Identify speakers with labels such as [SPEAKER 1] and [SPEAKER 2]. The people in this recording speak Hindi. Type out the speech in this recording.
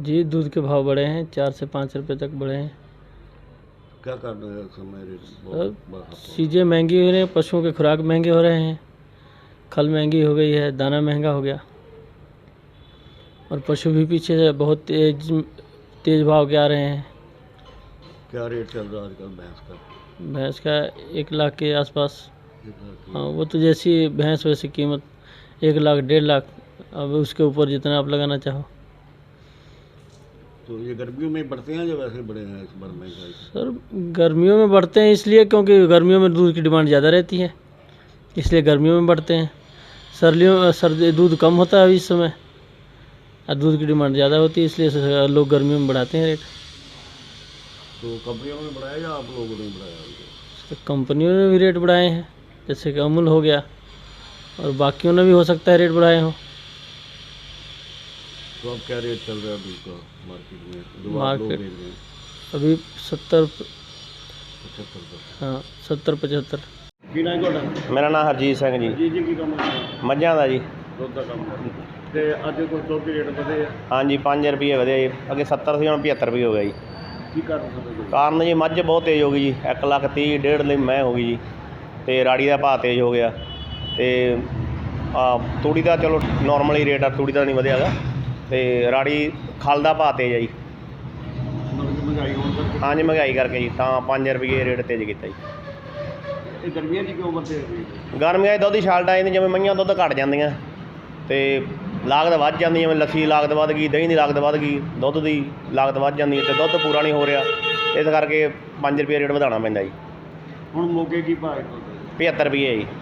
[SPEAKER 1] जी दूध के भाव बढ़े हैं, 4 से 5 रुपए तक बढ़े हैं।
[SPEAKER 2] क्या कर रहे हैं समय
[SPEAKER 1] सर चीज़ें महंगी हो रही हैं, पशुओं के खुराक महंगे हो रहे हैं, खल महंगी हो गई है, दाना महंगा हो गया और पशु भी पीछे से बहुत तेज भाव के आ रहे हैं।
[SPEAKER 2] क्या रेट चल रहा है आजकल
[SPEAKER 1] भैंस का 1 लाख के आसपास।
[SPEAKER 2] 1 लाख
[SPEAKER 1] हाँ वो तो जैसी भैंस वैसी कीमत, 1 लाख 1.5 लाख, अब उसके ऊपर जितना आप लगाना चाहो।
[SPEAKER 2] तो ये गर्मियों में बढ़ते हैं या वैसे बढ़े हैं इस बार महंगाई?
[SPEAKER 1] सर गर्मियों में बढ़ते हैं इसलिए क्योंकि गर्मियों में दूध की डिमांड ज़्यादा रहती है, इसलिए गर्मियों में बढ़ते हैं। सर्दी दूध कम होता है इस समय और दूध की डिमांड ज़्यादा होती है, इसलिए लोग गर्मियों में बढ़ाते हैं रेट।
[SPEAKER 2] तो कंपनियों ने बढ़ाया या आप लोगों ने बढ़ाया?
[SPEAKER 1] तो कंपनियों ने भी रेट बढ़ाए हैं, जैसे कि अमूल हो गया और बाकियों ने भी हो सकता है रेट बढ़ाए हों।
[SPEAKER 2] तो अब क्या रेट चल रहा है दूध का मार्केट में जो आप लोग
[SPEAKER 1] मार्केट
[SPEAKER 2] बेच रहे हैं?
[SPEAKER 1] अभी 70,
[SPEAKER 2] 75 रुपये।
[SPEAKER 1] हाँ 70-75।
[SPEAKER 2] ਕੀ ਨਾਮ ਤੁਹਾਡਾ?
[SPEAKER 3] मेरा नाम हरजीत सिंह जी।
[SPEAKER 2] ਜੀ ਕੀ ਕੰਮ ਹੈ?
[SPEAKER 3] मझां का जी।
[SPEAKER 2] ਦੁੱਧ ਦਾ ਕੰਮ ਹੈ ਤੇ ਅੱਜ ਕੋਈ ਦੁੱਧ ਦੇ ਰੇਟ ਵਧੇ ਆ?
[SPEAKER 3] हाँ जी 5 रुपये ਵਧੇ जी, अगे 70 ਸੀ, ਹੁਣ 75 रुपये हो गया जी।
[SPEAKER 2] ਕੀ ਕਾਰਨ ਸਮਝਦੇ?
[SPEAKER 3] ਕਾਰਨ ਜੀ ਮੱਝ ਬਹੁਤ ਤੇਜ਼ ਹੋ ਗਈ ਜੀ, 1,30,000 1.5 ਲਈ ਮੈਂ ਹੋ ਗਈ ਜੀ, ਤੇ ਰਾੜੀ ਦਾ ਭਾਅ ਤੇਜ਼ ਹੋ ਗਿਆ, ਤੇ ਤੂੜੀ ਦਾ ਚਲੋ ਨੋਰਮਲ ਹੀ ਰੇਟ ਆ, ਤੂੜੀ ਦਾ ਨਹੀਂ ਵਧਿਆ ਗਾ, ਤੇ ਰਾੜੀ ਖਲ ਦਾ ਭਾਅ ਤੇਜ਼ ਆ ਜੀ।
[SPEAKER 2] ਮਹਿੰਗਾਈ ਹੋਣ ਕਰਕੇ
[SPEAKER 3] ਹਾਂਜੀ ਮਹਿੰਗਾਈ ਕਰਕੇ ਜੀ, ਤਾਂ 5 ਰੁਪਏ ਰੇਟ ਤੇਜ਼ ਕੀਤਾ ਜੀ।
[SPEAKER 2] ਇਹ ਗਰਮੀਆਂ 'ਚ ਕਿਉਂ ਵਧੇ ਹੋਏ?
[SPEAKER 3] ਗਰਮੀਆਂ 'ਚ ਦੁੱਧ ਦੀ ਛਾਲਟ ਆ ਜਾਂਦੀ, ਜਿਵੇਂ ਮਈਆਂ ਦੁੱਧ ਘਟ ਜਾਂਦੀਆਂ ਤੇ ਲਾਗਤ ਵੱਧ ਜਾਂਦੀ, ਜਿਵੇਂ ਲੱਸੀ ਦੀ ਲਾਗਤ ਵੱਧ ਗਈ, ਦਹੀਂ ਦੀ ਲਾਗਤ ਵੱਧ ਗਈ, ਦੁੱਧ ਦੀ ਲਾਗਤ ਵੱਧ ਜਾਂਦੀ ਅਤੇ ਦੁੱਧ ਪੂਰਾ ਨਹੀਂ ਹੋ ਰਿਹਾ, ਇਸ ਕਰਕੇ 5 ਰੁਪਏ ਰੇਟ ਵਧਾਉਣਾ ਪੈਂਦਾ ਜੀ।
[SPEAKER 2] ਹੁਣ ਮੋਗੇ ਕੀ ਭਾਅ ਹੈ?
[SPEAKER 3] 75 ਰੁਪਏ ਜੀ।